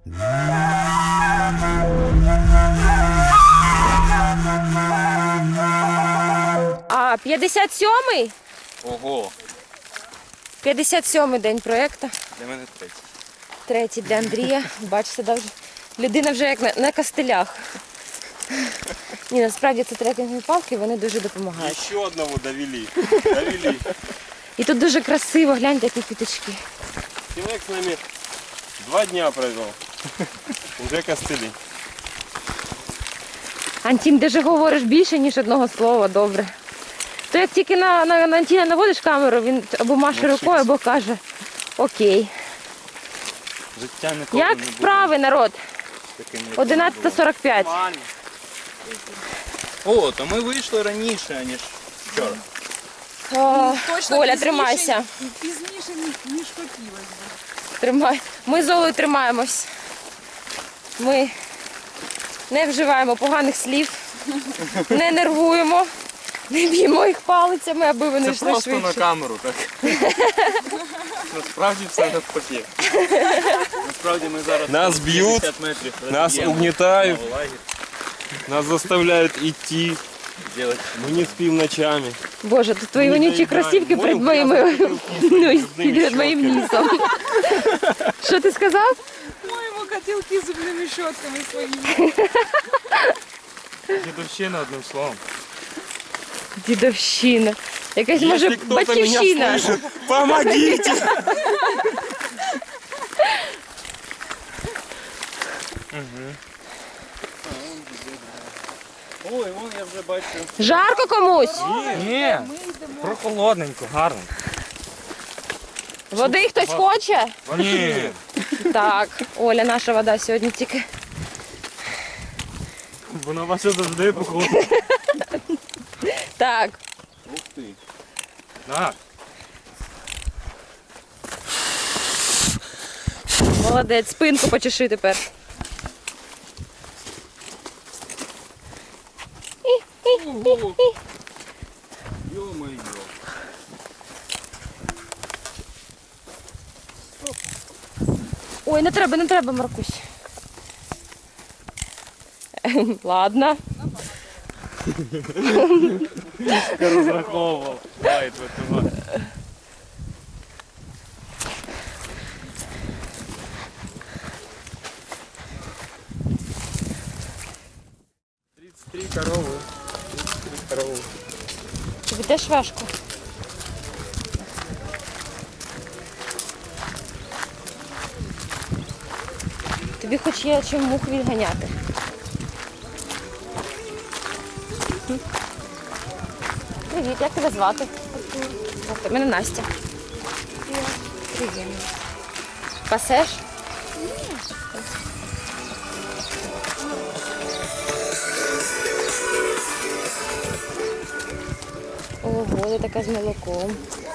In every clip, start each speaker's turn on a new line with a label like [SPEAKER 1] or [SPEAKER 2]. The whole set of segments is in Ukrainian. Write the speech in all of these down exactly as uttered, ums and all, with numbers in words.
[SPEAKER 1] А, п'ятдесят сьомий?
[SPEAKER 2] Ого.
[SPEAKER 1] п'ятдесят сьомий день проєкту.
[SPEAKER 2] Для мене третій.
[SPEAKER 1] Третій для Андрія. Бачите, да, вже людина вже як на, на костилях. Ні, насправді це трекінгові палки, вони дуже допомагають.
[SPEAKER 2] Ще одного довели. Довели.
[SPEAKER 1] І тут дуже красиво, гляньте, які квіточки.
[SPEAKER 2] Чоловік з нами два дня провів. Уже костилі.
[SPEAKER 1] Антін, ти же говориш більше, ніж одного слова, добре. То як тільки на, на, на Антіна наводиш камеру, він або маше рукою, або каже окей.
[SPEAKER 2] Життя ніколи
[SPEAKER 1] Як
[SPEAKER 2] не буде
[SPEAKER 1] справи, народ?
[SPEAKER 2] таким, як
[SPEAKER 1] одинадцята сорок п'ять.
[SPEAKER 2] О, то ми вийшли раніше, ніж вчора.
[SPEAKER 1] О,
[SPEAKER 3] Точно
[SPEAKER 1] Оля,
[SPEAKER 3] пізніше-
[SPEAKER 1] тримайся.
[SPEAKER 3] Пізніше, ніж- ніж хотілося б.
[SPEAKER 1] Тримай. Ми з Олею тримаємось. Ми не вживаємо поганих слів, не нервуємо, не б'ємо їх палицями, аби вони
[SPEAKER 2] Це
[SPEAKER 1] йшли
[SPEAKER 2] просто
[SPEAKER 1] швидше.
[SPEAKER 2] на камеру, так? Насправді все навпаки. Насправді ми зараз
[SPEAKER 4] Нас б'ють,
[SPEAKER 2] п'ятдесят метрів
[SPEAKER 4] нас
[SPEAKER 2] розіб'ємо
[SPEAKER 4] угнітають.
[SPEAKER 2] на лагерь.
[SPEAKER 4] Нас заставляют идти.
[SPEAKER 2] Делать.
[SPEAKER 4] Мы не спим ночами.
[SPEAKER 1] Боже, тут твої вонючі
[SPEAKER 4] доїдаємо.
[SPEAKER 1] кросівки
[SPEAKER 4] Мою
[SPEAKER 1] перед моїми
[SPEAKER 4] грязну
[SPEAKER 1] ну, і
[SPEAKER 4] зубними
[SPEAKER 1] перед моїм нісом. Що ти сказав?
[SPEAKER 3] Моємо котілки з зубними щотками своїми.
[SPEAKER 4] Дедовщина, одним словом.
[SPEAKER 1] Дідовщина. Якась, може,
[SPEAKER 4] Если кто-то меня
[SPEAKER 1] батьківщина.
[SPEAKER 4] слышит, помогите!
[SPEAKER 2] Ой, вон я вже бачу.
[SPEAKER 1] Жарко комусь?
[SPEAKER 4] Ні, прохолодненько, гарно.
[SPEAKER 1] Води хтось хоче?
[SPEAKER 4] Ні.
[SPEAKER 1] Так, Оля, наша вода сьогодні тільки.
[SPEAKER 4] Вона ваша завжди походу.
[SPEAKER 1] Так,
[SPEAKER 2] Ух ти.
[SPEAKER 4] Так.
[SPEAKER 1] молодець, спинку почеши тепер.
[SPEAKER 2] Йо-моє.
[SPEAKER 1] Ой, не треба, не треба, Маркусь. Ладно.
[SPEAKER 4] Я розраховував. Лайт витримати. тридцять три корови. тридцять три корови.
[SPEAKER 1] Тобі теж важко. Тобі хоч є чим мух відганяти. Привіт, як тебе звати? Артур. Мене Настя. Привіт. Пасеш? Ого, ти така з молоком.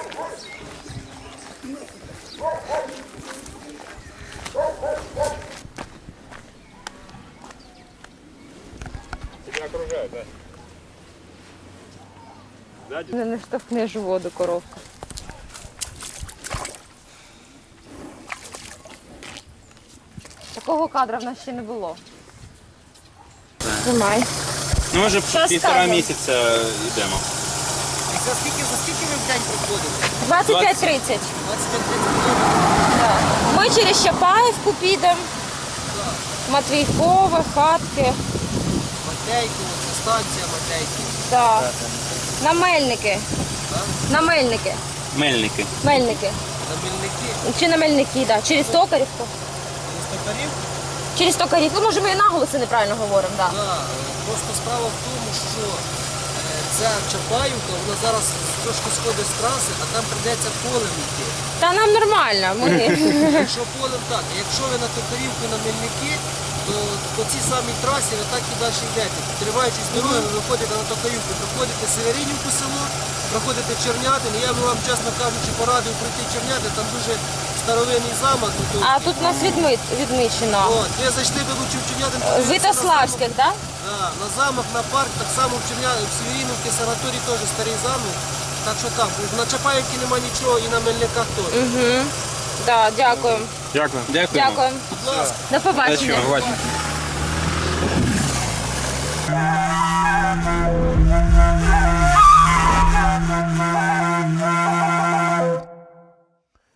[SPEAKER 4] Тебя окружают, да? Сзади.
[SPEAKER 1] Не штовхнеш у воду, коровка. Такого кадра в нас ще не було. Тримай.
[SPEAKER 2] Ну, ми вже
[SPEAKER 1] Що
[SPEAKER 2] півтора
[SPEAKER 1] скажемо?
[SPEAKER 2] місяця йдемо.
[SPEAKER 5] За скільки, за скільки ви в день проходите?
[SPEAKER 1] двадцять п'ять тридцять.
[SPEAKER 5] двадцять п'ять тридцять.
[SPEAKER 1] Ми через Чапаївку підемо. Матвійкове, хатки.
[SPEAKER 5] Матейки, це станція Матейки.
[SPEAKER 1] Так. На Мельники. На Мельники.
[SPEAKER 2] Мельники.
[SPEAKER 1] Мельники.
[SPEAKER 5] На Мельники.
[SPEAKER 1] Чи на Мельники, так. Через Токарівку.
[SPEAKER 5] Листопарів?
[SPEAKER 1] Через Токарівку. Ну, може, ми і наголоси неправильно говоримо, так.
[SPEAKER 5] Да. Просто справа в тому, що е, ця Чапаївка, вона зараз трошки сходить з траси, а там прийдеться полем йти.
[SPEAKER 1] Та нам нормально. Ми...
[SPEAKER 5] Якщо полем так, а якщо ви на Токарівку, на Мельники, то по цій самій трасі ви так і далі йдете. Триваючись дороги, ви виходите на Токарівку, проходите Северинівку село, проходите Чернятин. Я би вам, чесно кажучи, порадив пройти Чернятин, там дуже старовинний замок.
[SPEAKER 1] А тут у нас відмит, відмічено.
[SPEAKER 5] От, ви зайшли би лучше в Чернятин.
[SPEAKER 1] Витославських, так?
[SPEAKER 5] Да, на замок, на парк, так само в Чернятин, в Северинівці санаторій теж старий замок. Так що так, на Чапаївці нема нічого і на Мельниках теж.
[SPEAKER 1] Угу. Так, дякую.
[SPEAKER 2] Дякую.
[SPEAKER 4] Дякую.
[SPEAKER 1] Дякую.
[SPEAKER 5] Будь ласка.
[SPEAKER 1] До побачення.
[SPEAKER 4] Побачення.